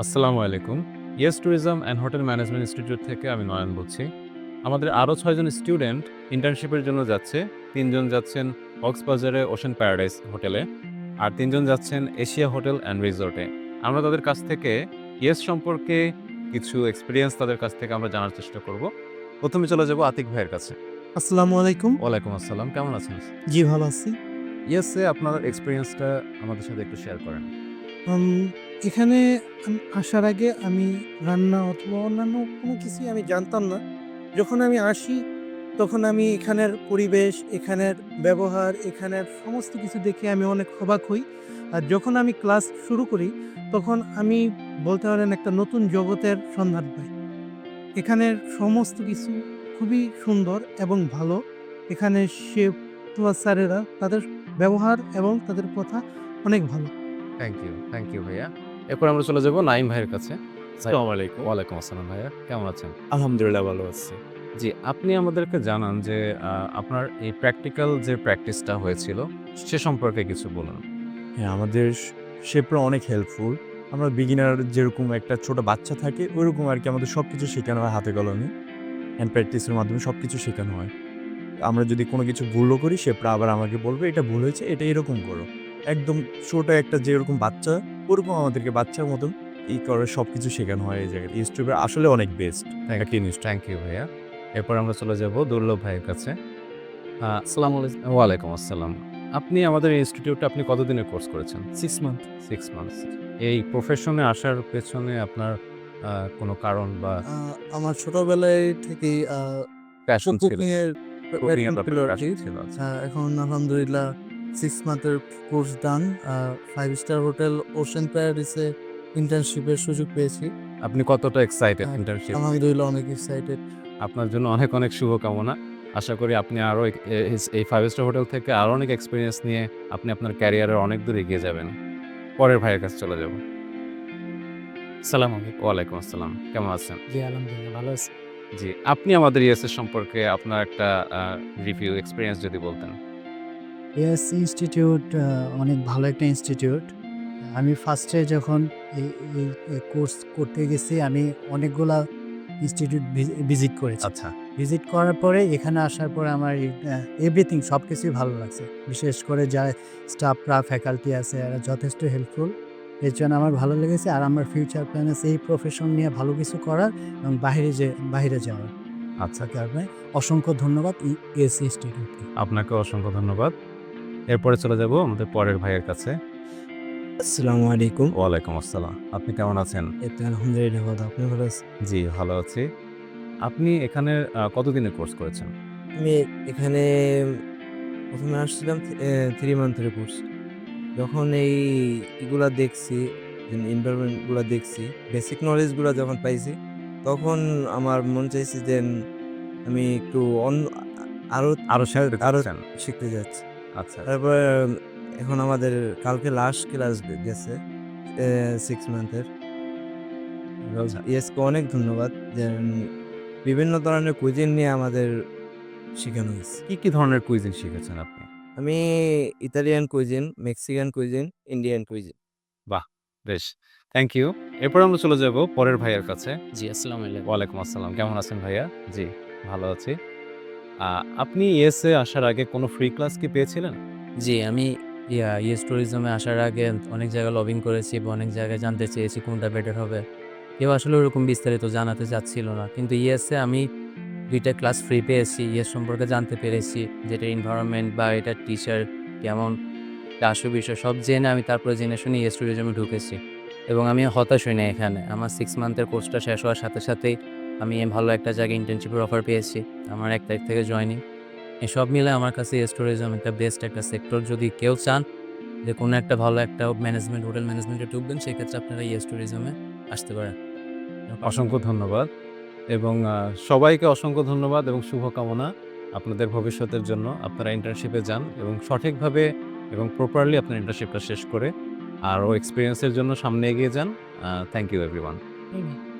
আসসালামু আলাইকুম। Yes tourism and hotel management institute থেকে আমি নয়ন বলছি। আমাদের আরও ৬ জন স্টুডেন্ট ইন্টার্নশিপের জন্য যাচ্ছে। ৩ জন যাচ্ছেন কক্সবাজারে ওশেন প্যারাডাইস হোটেলে, আর ৩ জন যাচ্ছেন এশিয়া হোটেল অ্যান্ড রিসোর্টে। আমরা তাদের কাছ থেকে ইয়েস সম্পর্কে কিছু এক্সপেরিয়েন্স তাদের কাছ থেকে আমরা জানার চেষ্টা করব। ১ম এ চলে যাব আতিক ভাইয়ের কাছে। আসসালামু আলাইকুম। ওয়ালাইকুম আসসালাম। কেমন আছেন? জি, ভালো আছি। ইয়েসে আপনার এক্সপেরিয়েন্সটা আমাদের সাথে একটু শেয়ার করেন। আম এখানে আসার আগে আমি রান্না অথবা অন্যান্য কোনো কিছুই আমি জানতাম না। যখন আমি আসি তখন আমি এখানের পরিবেশ, এখানের ব্যবহার, এখানের সমস্ত কিছু দেখে আমি অনেক অবাক হই। আর যখন আমি ক্লাস শুরু করি তখন আমি বলতে পারেন একটা নতুন জগতের সন্ধান পাই। এখানের সমস্ত কিছু খুবই সুন্দর এবং ভালো। এখানে শেফ অথবা স্যারেরা তাদের ব্যবহার এবং তাদের কথা অনেক ভালো। থ্যাংক ইউ ভাইয়া। এরপর আমরা চলে যাব নাঈম ভাইয়ের কাছে। ভাই আসসালামু আলাইকুম। ওয়ালাইকুম আসসালাম ভাইয়া। কেমন আছেন? আলহামদুলিল্লাহ ভালো আছি। জি, আপনি আমাদেরকে জানান যে আপনার এই প্র্যাকটিক্যাল যে প্র্যাকটিসটা হয়েছিল সে সম্পর্কে কিছু বলুন। হ্যাঁ, আমাদের শেফরা অনেক হেল্পফুল। আমরা বিগিনার যেরকম একটা ছোট বাচ্চা থাকে ওইরকম আরকি আমাদের সবকিছু শেখানো হয় হাতে কলমে। হ্যান্ড প্র্যাকটিসের মাধ্যমে সবকিছু শেখানো হয়। আমরা যদি কোনো কিছু ভুলও করি শেফরা আবার আমাকে বলবে, "এটা ভুল হয়েছে, এটা এরকম করো।" একদম ছোট একটা যেরকম বাচ্চা ওরকম আমাদেরকে বাচ্চার মতন করে সবকিছু শেখানো হয় এই জায়গায়। ইউটিউবের আসলে অনেক বেস্ট একটা ইনস্টিটিউট। থ্যাংক ইউ ভাইয়া। এরপর আমরা চলে যাব দুর্লভ ভাইয়ের কাছে। আসসালামু আলাইকুম। ওয়ালাইকুম আসসালাম। আপনি আমাদের ইনস্টিটিউটে আপনি কতদিনের কোর্স করেছেন? 6 মান্থ। 6 মান্থস। এই প্রফেশনে আসার পেছনে আপনার কোনো কারণ বা আ আমার ছোটবেলায় থেকেই প্যাশন ছিল? কুকিং এর কুকিং এর প্যাশন ছিল ব্যাপারে আরকি। প্যাশন ছিল। আচ্ছা। এখন আলহামদুলিল্লাহ 6 মান্থের course done. 5 star hotel ocean প্যারাডিসে ইন্টার্নশিপের সুযোগ পেয়েছি। আপনি কতটা এক্সাইটেড আ ইন্টার্নশিপ? আলহামদুলিল্লাহ অনেক এক্সাইটেড। আপনার জন্য অনেক, অনেক শুভকামনা। আশা করি আপনি আরো এই 5 স্টার হোটেল থেকে আরো অনেক এক্সপেরিয়েন্স নিয়ে আপনি আপনার ক্যারিয়ারে অনেক দূর এগিয়ে যাবেন। পরের ভাইয়ের কাছে চলে যাব। আসসালামু আলাইকুম। ওয়ালাইকুম আসসালাম। কেমন আছেন? জি, আলহামদুলিল্লাহ ভালো আছি। জি, আপনি আমাদের ইএসএস সম্পর্কে আপনার একটা রিভিউ এক্সপেরিয়েন্স যদি বলতেন। ইয়েস ইনস্টিটিউট অনেক ভালো একটা ইনস্টিটিউট। আমি ফার্স্টে যখন এই এই কোর্স করতে গেছি আমি অনেকগুলা ইনস্টিটিউট ভিজিট করেছি। আচ্ছা। ভিজিট করার পরে এখানে আসার পরে আমার এভরিথিং সবকিছুই ভালো লাগছে। বিশেষ করে যা স্টাফরা, ফ্যাকাল্টি আছে এরা যথেষ্ট হেল্পফুল। এর জন্য আমার ভালো লেগেছে। আর আমার ফিউচার প্ল্যান আছে এই প্রফেশন নিয়ে ভালো কিছু করার এবং বাহিরে যাওয়ার। আচ্ছা। কারণে অসংখ্য ধন্যবাদ ইয়েস ইনস্টিটিউটকে। আপনাকে অসংখ্য ধন্যবাদ। এরপরে চলে যাব আমাদের পরের ভাইয়ের কাছে। আসসালামু আলাইকুম। ওয়ালাইকুম আসসালাম। আপনি কেমন আছেন? এই তো আলহামদুলিল্লাহ ভালো। আপনি ভালো আছেন? জি, ভালো আছি। আপনি এখানে কতদিনের কোর্স করেছেন? আমি এখানে ১ম এ আসছিলাম 3 মান্থের কোর্স। যখন এই এগুলা দেখছি, এনভায়রনমেন্ট গুলা দেখছি, বেসিক নলেজ গুলা যখন পাইছি, তখন আমার মন চাইছে যে আমি একটু আরো আরো শিখতে আরো চাচ্ছেন? শিখতে যাচ্ছি। আচ্ছা, আচ্ছা। তারপরে এখন আমাদের কালকে লাস্ট ক্লাস গেছে 6 মান্থের। আচ্ছা। ইয়েসকে অনেক ধন্যবাদ যে বিভিন্ন ধরনের কুইজিন নিয়ে আমাদের শেখানো হয়েছে। কি ধরনের কুইজিন শিখেছেন আপনি? আমি Italian cuisine, Mexican cuisine, Indian cuisine. বাহ! বেশ। Thank you. এরপর আমরা চলে যাব পরের ভাইয়ের কাছে। জি, আসসালামু আলাইকুম। ওয়ালাইকুম আসসালাম। কেমন আছেন ভাইয়া? জি, ভালো আছি। আ আপনি ইএসএ আসার আগে কোনো ফ্রি ক্লাস কি পেয়েছিলেন? জি, আমি ইয়েস ট্যুরিজমে আসার আগে অনেক জায়গায় লবিং করেছি বা অনেক জায়গায় জানতে চেয়েছি কোনটা বেটার হবে। কেউ আসলে ওরকম বিস্তারিত জানাতে চাচ্ছিল না। কিন্তু ইয়েসে আমি ২ টা ক্লাস ফ্রি পেয়েছি। ইয়েস সম্পর্কে জানতে পেরেছি যে এটার এনভায়রনমেন্ট বা এটার টিচার কেমন, বিষয় সব জেনে আমি তারপরে জেনে শুনে ইয়েস ট্যুরিজমে ঢুকেছি। এবং আমি হতাশ হই নাই এখানে। আমার 6 মান্থের কোর্সটা শেষ হওয়ার সাথে সাথেই আমি ভালো একটা জায়গায় ইন্টার্নশিপের অফার পেয়েছি। আমার ১ তারিখ থেকে জয়েনিং। এসব মিলে আমার কাছে ইয়েস ট্যুরিজম একটা বেস্ট একটা সেক্টর। যদি কেউ চান যে কোনো একটা ভালো একটা ম্যানেজমেন্ট, হোটেল ম্যানেজমেন্টে ঢুকবেন সেক্ষেত্রে আপনারা ইয়েস ট্যুরিজমে আসতে পারেন। অসংখ্য ধন্যবাদ এবং সবাইকে অসংখ্য ধন্যবাদ এবং শুভকামনা আপনাদের ভবিষ্যতের জন্য। আপনারা ইন্টার্নশিপে যান এবং সঠিকভাবে এবং প্রপারলি আপনার ইন্টার্নশিপটা শেষ করে আরও এক্সপেরিয়েন্সের জন্য সামনে এগিয়ে যান। Thank you everyone.